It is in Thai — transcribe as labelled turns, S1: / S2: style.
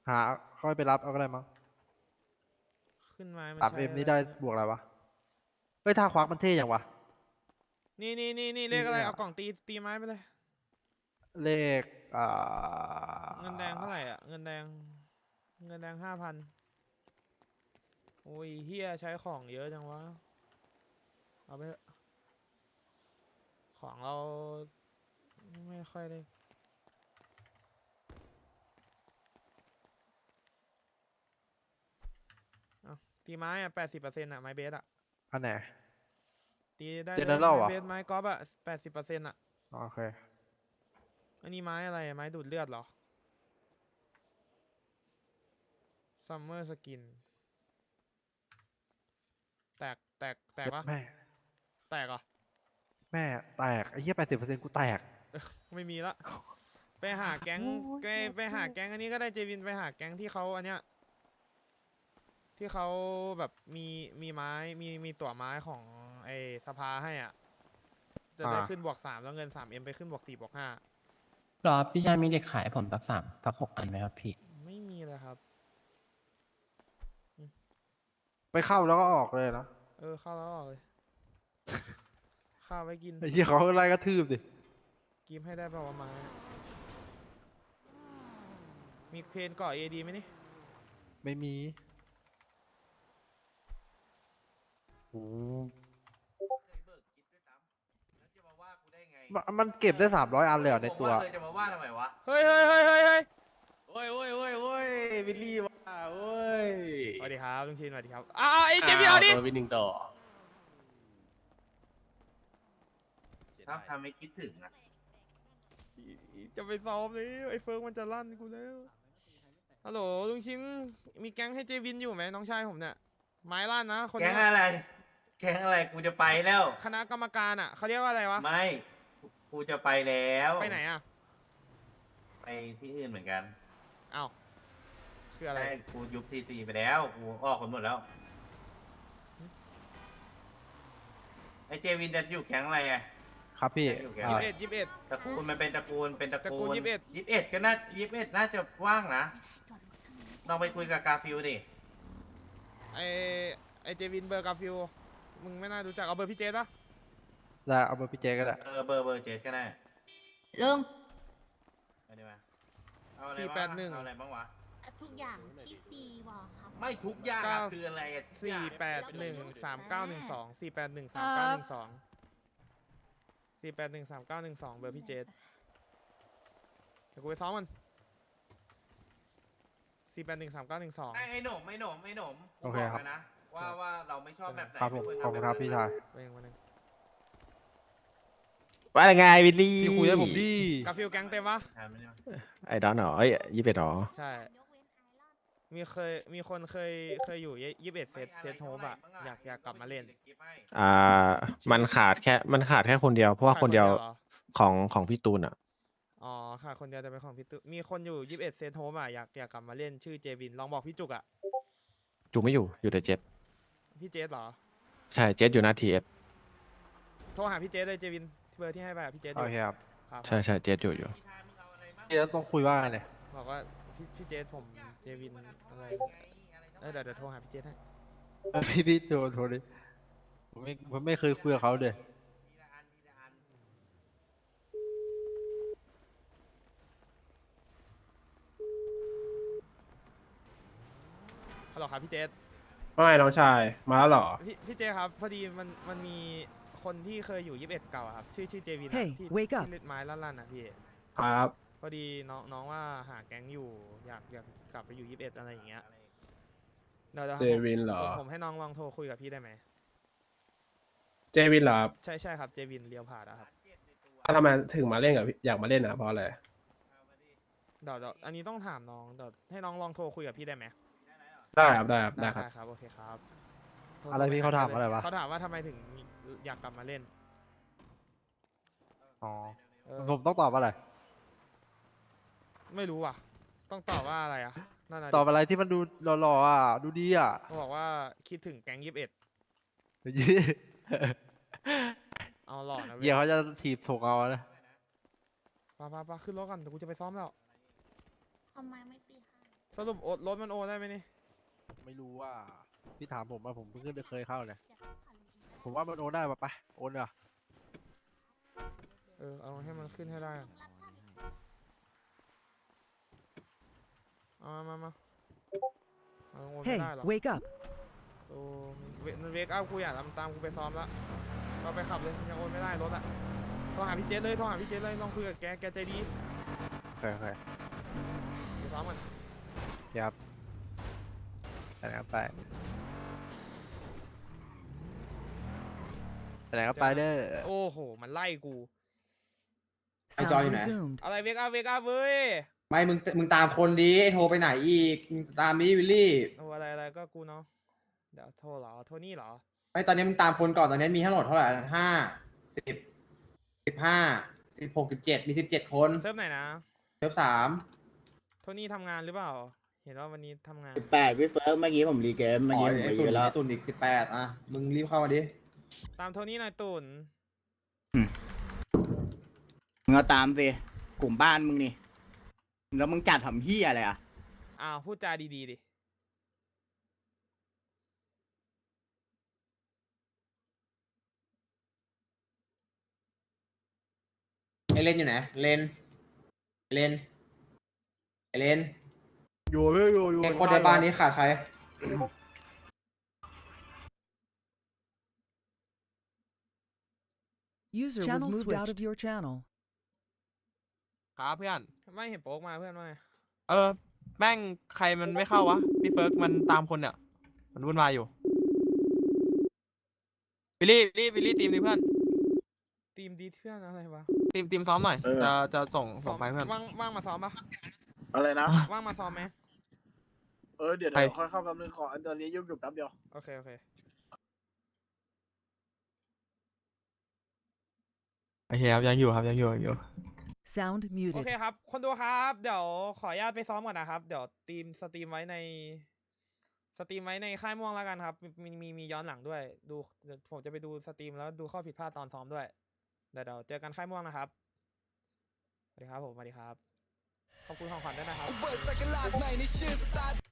S1: หาค่อยไปรับเอาก็ได้มั้ง
S2: ขึ้นไม้มัน
S1: สาม
S2: ใช้
S1: เอ็มนี่ได้
S2: อะไรวะเนี่ย
S1: บวกอะไรวะเฮ้ยท่าควักมันเท่อย่างวะ
S2: นี่เลขอะไร
S1: เนี่ย
S2: เอากล่องตีไม้ไปเลย
S1: เลข
S2: เงินแดงเท่าไหร่อ่ะเงินแดง5,000โอ้ยเฮียใช้ของเยอะจังวะเอาไปเถอะของเราไม่ค่อยได้เอาตีไม้อ่ะ80%อ่ะไม้เบสอ่ะ
S1: อันไหน
S2: ตีได้
S1: เจเน
S2: เลยไม้
S1: อรัลเหรอ
S2: เบสไม้กอล์ฟอ่ะ80%อ่ะ
S1: โอเค
S2: อันนี้ไม้อะไรอะไม้ดูดเลือดเหรอซัมเมอร์สกินแตกปะ
S1: แม่
S2: แตกเหรอ่ะ
S1: แม่แตกไอ้เหี้ย80%กูแตก
S2: ไม่มีละไปหาแก๊ง
S1: โอ้ย
S2: ไปหาแก๊งอันนี้ก็ได้เจวินไปหาแก๊งที่เขาอันเนี้ยที่เขาแบบมีไม้มีตั๋วไม้ของไอ้สภาให้อ่ะจะได้ขึ้นบวก 3แล้วเงิน3Mไปขึ้นบวก 4 บวก 5
S3: รอพี่ชายมีเด็กขายผมสัก6 อันไหมครับพี่
S2: ไม่มีเลยครับ
S1: ไปเข้าแล้วก็ออกเลยนะ
S2: เข้าแล้วออกเลยข้าวไว้กิน
S1: ไอ้เหี้ยเขาไล่กระทืบดิ
S2: กิมให้ได้เปล่าวะไม้มีเพนเกาะเอดีไหมนี่
S1: ไม่มีโอ้มันเก็บได้300อันเลยเหรอในตัว
S4: เคยจะมาว่าทำไมวะ
S2: เฮ้ย
S4: โอ้ยวิลลี่ว่าโอ้ย
S2: สวัสดีครับลุงชินสวัสดีครับไอ้เจมี่เอาดิ
S4: ตัววินหนึ่งต่อทำให้คิดถึงอ่ะ
S2: จะไปซ้อมเลยไอ้เฟิร์กมันจะลั่นกูแล้วฮัลโหลลุงชินมีแก๊งให้เจวินอยู่ไหมน้องชายผมเนี่ยไม้ลั่นนะคน
S4: แก๊
S2: เนี้
S4: ง
S2: ย
S4: อะไรแก๊งอะไรกูจะไปแล้ว
S2: คณะกรรมการอ่ะเขาเรียกว่าอะไรวะ
S4: ไม่กูจะไปแล้ว
S2: ไปไหนอ่ะ
S4: ไปที่อื่นเหมือนกัน
S2: อ้าวคืออะไร
S4: ใช่กูยุบทีตีไปแล้วกูออกไปหมดแล้วไอเจวินจะอยู่แก๊งอะไรอ่ะ
S1: ครับพี่
S4: อยู่แก๊ง
S1: อ่า
S4: อะไร
S2: 21
S4: ตระกูลมันเป็นตระกูลเป็นตระ
S2: ตระกู
S4: กู
S2: ล
S4: ล
S2: 21
S4: 21ก็น่า21น่าจะว่างนะลองไปคุยกับกาฟิลดิ
S2: ไอไอเจวินเบอร์กาฟิลมึงไม่น่ารู้จักเอาเบอร์พี่เจสปะ
S1: ได้เอาเบอร์พี่เจก็ได้
S4: เบอร์เจ็ดก็ได้
S5: ลุง
S4: เอาดีมาเอาอะไรบ้างวะเอาอะไรบ้างวะ
S5: ทุกอย่างที่ตีวอลครับ
S4: ไม่ทุกอย่างอะคืออะไรอะทุกอย่าง
S2: 4813912 4813912เบอร์พี่เจสเดี๋ยวกูไปซ้อมมัน4813912
S4: ไอ้หนุ่มกู
S1: โอเค
S4: บอก
S1: ครับ
S4: แล้วนะว่าเราไม่ชอบแบบไหน
S1: ครับผม
S4: ไม่ว
S1: ขอบคุณครับพี่ชาย
S2: วันหนึ่ง
S6: ว่าไงวิลลี่
S1: พี่คุยให้ผมดิ
S2: กาฟิลแก๊งเต็มปะ
S4: ถามมันดิ
S6: ไอ้ดอนเหรอเอ้ย21หรอ
S2: ใช่ มีคนเคยอยู่21เซตโฮปอะอยากกลับมาเล่น
S6: อ่า มันขาดแค่คนเดียว เพราะว่าคนเดียว
S2: หรอ
S6: ของพี่ตูนอ่ะ
S2: อ๋อค่ะคนเดียวจะเป็นของพี่ตุ๊มีคนอยู่21เซตโฮปอะอยากกลับมาเล่นชื่อเจวินลองบอกพี่จุกอะ
S6: จูไม่อยู่แต่เจ็ด
S2: พี่เจสเหรอ
S6: ใช่เจ็ดอยู่หน้าทีเอส
S2: โทรหาพี่เจสเลยเจวินเบอร์ที่ให้ไปอะพี่เจสอ
S1: โอยู่ เคครับ
S2: ครับ
S6: ใช่เจ็ดอยู่
S1: พี่จะต้องคุยว่าไงเนี่ย
S2: บอกว่าพี่เจสผมเจวินอะไรเดี๋ยวโทรหาพี่เจสให้
S1: พี่โทรดิผมไม่เคยคุยกับเขาเลย
S2: ฮัลโหลครับพี่เจส
S7: ว่าไงน้องชาย มาแล้วเหรอ
S2: พี่เจครับพอดีมันมีคนที่เคยอยู่21เก่าอะครับชื่อเจวินอะ
S8: Hey,
S2: ที่
S8: wake up
S2: เล่นไม้ลั่นๆอะพี่
S7: ครับ
S2: พอดีน้องว่าหาแก๊งอยู่อยากกลับไปอยู่21อะไรอย่างเงี้ยเดี๋ยว
S7: เจวินเหรอ
S2: ผมให้น้องลองโทรคุยกับพี่ได้ไหม
S7: เจวินเหรอครับ
S2: ใช่ครับเจวินเรียวผ่าดอะครับ
S7: ทำไมถึงมาเล่นกับพี่อยากมาเล่นอ่ะเพราะอะไร
S2: เดี๋ยวอันนี้ต้องถามน้องเดี๋ยวให้น้องลองโทรคุยกับพี่ได้ไหม
S7: ได้ครับได้ครับได้ครับ
S2: ครับโอเคครับโท
S1: อะไรพี่เขาถามอะไรวะ
S2: เขาถามว่าทำไมถึงอยากกลับมาเล่น
S1: อ๋อ
S2: เออ
S1: ผมต้องตอบอะไร
S2: ไม่รู้อ่ะ ต้องตอบว่าอะไรอ่ะนั่นน่ะ
S1: ตอบอะไรที่มันดูหล่อๆอ่ะ ดูดีอ่ะ
S2: เขาบอกว่าคิดถึงแก๊ง21เอาหล่อนะเว้
S1: เดี๋ย
S2: ยว
S1: เขาจะถีบถกเอานะ
S2: ไปขึ้นรถกันเดี๋ยวกูจะไปซ้อมแล้ว
S5: ทำไมไม่ตีให้
S2: สรุปโอดรถมันโอนได้ไหมนี่
S1: ไม่รู้ว่าพี่ถามผมว่าผมเพิ่งเคยเข้าเลยผมว่ามันโอนได้ปะไปโอนเหรอ
S2: เอาให้มันขึ้นให้ได้อะเอามาเอาโอนไม่
S8: Hey,
S2: ได้หรอ
S8: wake up.
S2: โอ้มันเวกอัพกูอยากตามกูไปซ้อมละก็ไปขับเลยยังโอนไม่ได้รถอะโทรหาพี่เจสเลยลองคุยกับแกใจดี
S1: เคย
S2: ไปซ้อมกัน
S1: ครับไปไหนก็ไปไปไหนก็ไปเด้อ
S2: โอ้โหมันไล่กู
S8: Sound resumed.
S2: อะไรเวกอัพเว้ย
S9: ไม่มึงตามคนดีไอ้โทรไปไหนอีกมึงตามนี้วิลลี่
S2: โอ้อะไรก็กูเนาะเดี๋ยวโทรเหรอโทนี่เหรอ
S9: ไม่ตอนนี้มึงตามคนก่อนตอนนี้มีทั้งหมดเท่าไหร่10 15 16 17มี17 คน
S2: เซิร์ฟไหนนะ
S9: เซิร์ฟ3
S2: โทนี่ทำงานหรือเปล่า เห็นว่าวันนี้ทำงาน
S10: 18พี่เฟิร์สเมื่อกี้ผมรีเกมเมื่อ
S9: อ๋อ
S10: กี้ผม
S9: ไอ้
S10: ไป
S9: ตุ่
S10: เย
S9: น
S10: อะแล้ว
S9: ไอ้ตุ่นอีก18อ่ะมึงรีบเข้ามาดิ
S2: ตามโทนี่หน่อยตุ่น
S10: มึงเอาตามสิกลุ่มบ้านมึงนี่แล้วมึงจัดทำเฮียอะไรอ่ะ
S2: อ้าวพูดจาดีดิ
S9: ไอเลนอยู่ไหนเลนไอเลนอยู่ไอคนในบ้านนี้ขาดใคร
S8: User was moved out of your channel.
S11: ครับเพื่อน
S2: ไม่เห็นโป๊กมาเพื่อนว่าไง
S11: แม่งใครมันไม่เข้าวะ พี่เฟิร์กมันตามคนเนี่ย มันวุ่นวายอยู่วิลลี่ทีมดิเพื่อน
S2: ทีมดีเพื่อนอะไรวะ
S11: ทีมซ้อมหน่อย จะส่งไปเพื่อน
S2: ว่างมาซ้อมปะ
S10: อะไรนะ
S2: ว่างมาซ้อมไหม
S10: เดี๋ยว
S11: ไป
S10: ค่อยเข้าแป๊บนึงขอตอนนี้ยุ่งอยู่แป๊บเดียว
S2: โอเค
S11: โอเคครับยังอยู่
S8: Sound
S2: โอ
S8: muted.
S2: เคครับ คนดูครับ เดี๋ยวขออนุญาตไปซ้อมก่อนนะครับ เดี๋ยวสตรีมไว้ในค่ายม่วงแล้วกันครับ มีย้อนหลังด้วย เดี๋ยวผมจะไปดูสตรีมแล้วดูข้อผิดพลาดตอนซ้อมด้วย เดี๋ยวเจอกันค่ายม่วงนะครับ สวัสดีครับผม สวัสดีครับ ขอบคุณของขวัญด้วยนะครับ